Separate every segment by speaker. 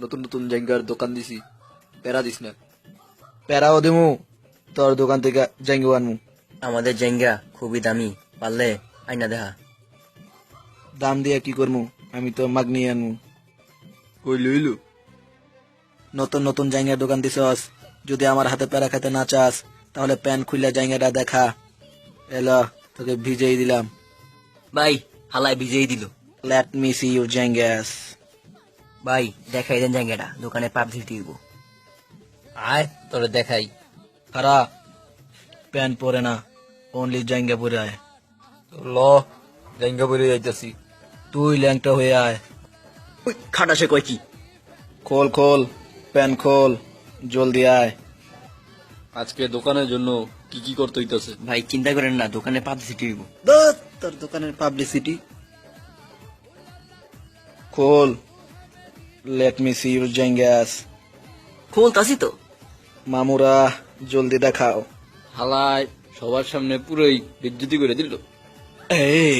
Speaker 1: নতুন নতুন জায়গার দোকান দিছি, প্যারা দিস না।
Speaker 2: প্যারাও দিমু, তোর দোকান থেকে জাঙ্গি আনমু।
Speaker 3: আমাদের জেঙ্গা খুবই দামি, পারলে আইনা দেখা।
Speaker 2: দাম দিয়ে কি করমু, আমি তো মাগনি আনমু।
Speaker 1: কই লইলু?
Speaker 2: নতুন নতুন জাঙ্গিয়ার দোকান দিছস, যদি আমার হাতে প্যারা খেতে না চাস তাহলে প্যান্ট খুললে জাঙ্গিয়াটা দেখা। এলো, তোকে ভিজেই দিলাম।
Speaker 3: ভাই হালাই ভিজেই দিল।
Speaker 2: লেট মি সি ইউর জাঙ্গিয়াস।
Speaker 3: ভাই দেখাই দেন জায়গাটা, দোকানে পাবলিসিটি দিব।
Speaker 1: আয় তোরে দেখাই।
Speaker 2: খারা, প্যান্ট পরে না, অনলি জাঙ্গিয়া পরে আয়।
Speaker 1: ল, জায়গা বলে যাইতাছি।
Speaker 2: তুই ল্যাংটা হয়ে আয়।
Speaker 3: ওই খাটা সে কয় কি?
Speaker 2: খোল খোল, প্যান্ট খোল, জলদি আয়।
Speaker 1: আজকে দোকানের জন্য কি কি করতে হইতাছে?
Speaker 3: ভাই চিন্তা করেন না, দোকানে পাবলিসিটি দিব।
Speaker 2: তোর দোকানের পাবলিসিটি। খোল, লেট মি সি ইউর জাঙ্গিয়াস।
Speaker 3: খুলতাছি তো।
Speaker 2: মামুরা, জলদি দেখাও।
Speaker 1: হালায় সবার সামনে পুরোই বেজ্জতি করে দিল।
Speaker 2: এই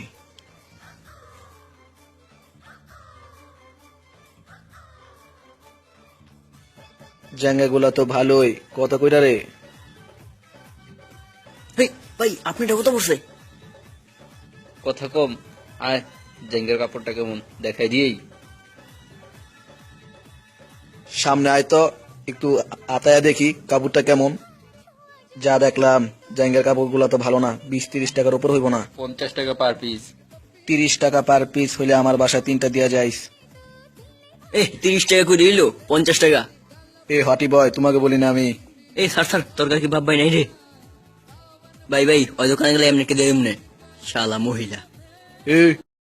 Speaker 2: জাঙ্গাগুলা তো ভালোই, কত কইরা রে?
Speaker 3: হেই ভাই আপনি এটা কত পড়ছে?
Speaker 1: কথা কম, আয় জায়গার কাপড়টা কেমন দেখাই দিয়েই।
Speaker 2: সামনে আয় তো, একটু আতায়া দেখি কাপড়টা কেমন। যা দেখলাম, জাঙ্গের কাপড়গুলা তো ভালো না, 20-30 টাকার উপর হইব না।
Speaker 1: 50 টাকা পার পিস।
Speaker 2: 30 টাকা পার পিস হইলে আমার বাসায় 3টা দিয়া যাইস।
Speaker 3: 30 টাকা করে দিল, 50 টাকা।
Speaker 2: এ হটি বয়, তোমাকে বলি না আমি।
Speaker 3: স্যার তরকারি কি ভাব ভাই নাই রে? ভাই ওই দোকানে গেলে এমনি কে দেয় এমনি, শালা মহিলা।
Speaker 2: এ